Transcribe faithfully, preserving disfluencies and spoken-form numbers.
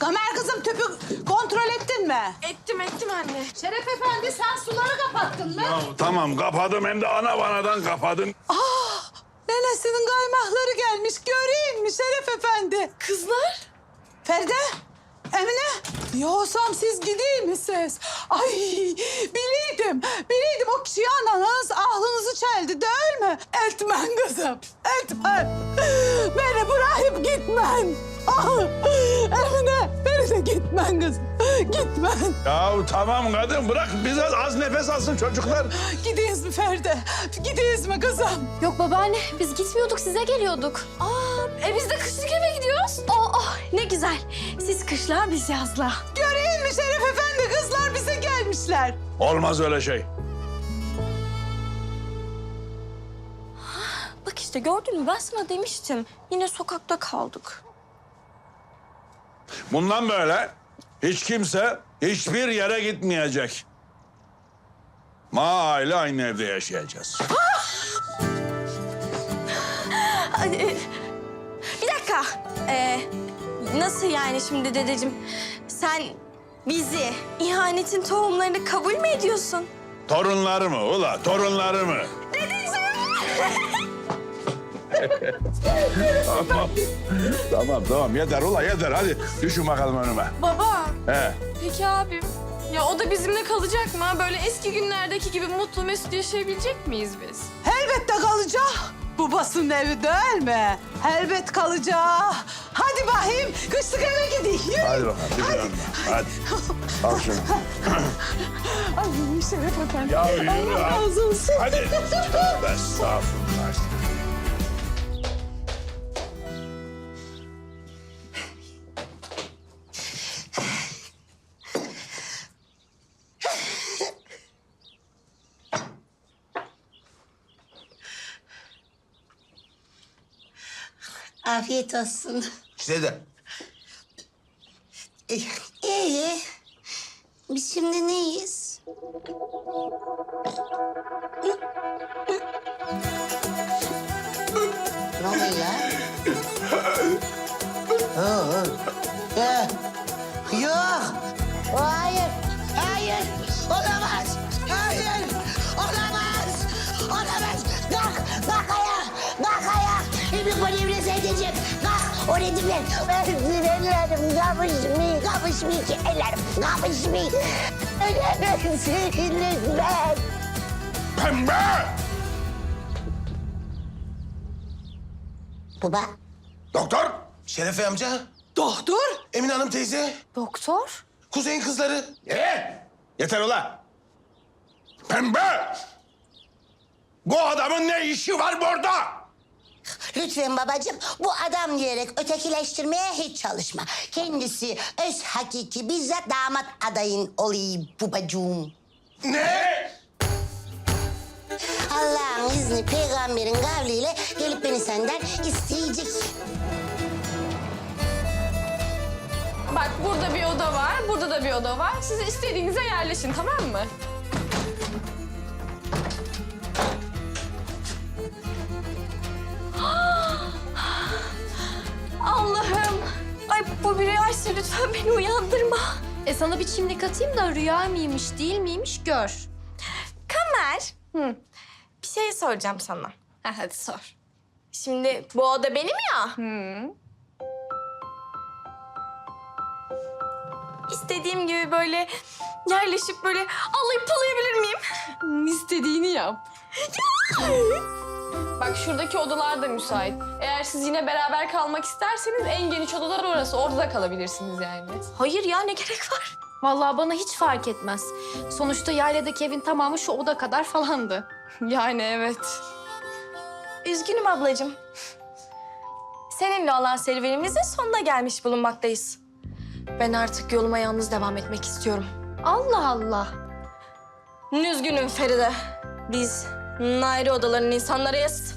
Kamer kızım tüpü kontrol ettin mi? Ettim ettim anne. Şeref efendi sen suları kapattın mı? Ya tamam kapadım hem de ana vanadan kapadım. Ah, nenesinin kaymahları gelmiş. Göreyim mi Şeref efendi? Kızlar. Feride, Emine. Yoksam siz gideyim misiniz? Ay biliydim, biliydim o kişiyi ananız aklınızı çeldi değil mi? Etmen kızım, etmen. Beni bırakıp gitmen. Ah, Emine, beni de gitmen kızım, gitmen. Ya tamam kadın bırak biraz az nefes alsın çocuklar. Gideyiz mi Feride? Gideyiz mi kızım? Yok babaanne, biz gitmiyorduk, size geliyorduk. Aa, e biz de kışlık eve gidiyoruz. Oh, oh, ne güzel. Siz kışla, biz yazla. Göreyim mi Şeref efendi? Kızlar bize gelmişler. Olmaz öyle şey. Bak işte gördün mü, ben sana demiştim. Yine sokakta kaldık. Bundan böyle hiç kimse hiçbir yere gitmeyecek. Ma aile aynı evde yaşayacağız. Ay, e, bir dakika. Ee, nasıl yani şimdi dedeciğim? Sen bizi, ihanetin tohumlarını kabul mü ediyorsun? Torunlarımı ula torunlarımı. tamam. tamam tamam yeter ula yeter hadi düşün bakalım önüme. Baba. He. Peki abim? Ya o da bizimle kalacak mı? Böyle eski günlerdeki gibi mutlu mesut yaşayabilecek miyiz biz? Elbette kalacak. Babasının evi değil mi? Elbet kalacak. Hadi bakayım kışlık eve gidelim. Yürü. Hadi bakalım hadi. Hadi. hadi. Al şunu. Ay Şeref efendi. Ya yürü Allah ha. razı olsun. Hadi. Tövbe estağfurullah. Afiyet olsun. Size de. İyi. İyi. Biz şimdi neyiz? Ne oluyor ya? Oo. Ya. Yok. Hayır. Hayır. Olamaz. Hayır. Olamaz. Olamaz. Kalk. Kalk ayağa. Kalk ayağa. Bir polivre seyredeceğim. Kalk. O nedir ben? Ben ellerim kapışmıyor. Kapışmıyor ki ellerim. Kapışmıyor. Ölemezsiniz lütfen. Pembe! Baba. Doktor! Şerefe amca, Doktor. Emine Hanım teyze, Doktor? Kuzey'in kızları. Ee, yeter ula. Pembe! Bu adamın ne işi var burada? Lütfen babacığım bu adam diyerek ötekileştirmeye hiç çalışma. Kendisi öz hakiki bizzat damat adayın olayım babacığım. Ne? Allah'ın izni peygamberin kavliyle gelip beni senden isteyecek. Bak burada bir oda var, burada da bir oda var. Siz istediğinize yerleşin, tamam mı? Allah'ım. Ay bu bir rüyaysa lütfen beni uyandırma. E sana bir çimdik atayım da rüya mıymış değil miymiş gör. Kamer. Hı. Bir şey soracağım sana. Ha, hadi sor. Şimdi bu oda benim ya. Hı. İstediğim gibi böyle yerleşip böyle alayıp palayabilir miyim? İstediğini yap. Bak şuradaki odalar da müsait. Eğer siz yine beraber kalmak isterseniz en geniş odalar orası. Orada da kalabilirsiniz yani. Hayır ya, ne gerek var? Vallahi bana hiç fark etmez. Sonuçta yayladaki evin tamamı şu oda kadar falandı. Yani evet. Üzgünüm ablacığım. Seninle olan serüvenimizin sonuna gelmiş bulunmaktayız. Ben artık yoluma yalnız devam etmek istiyorum. Allah Allah. Üzgünüm Feride. Biz ayrı odaların insanlarıyız.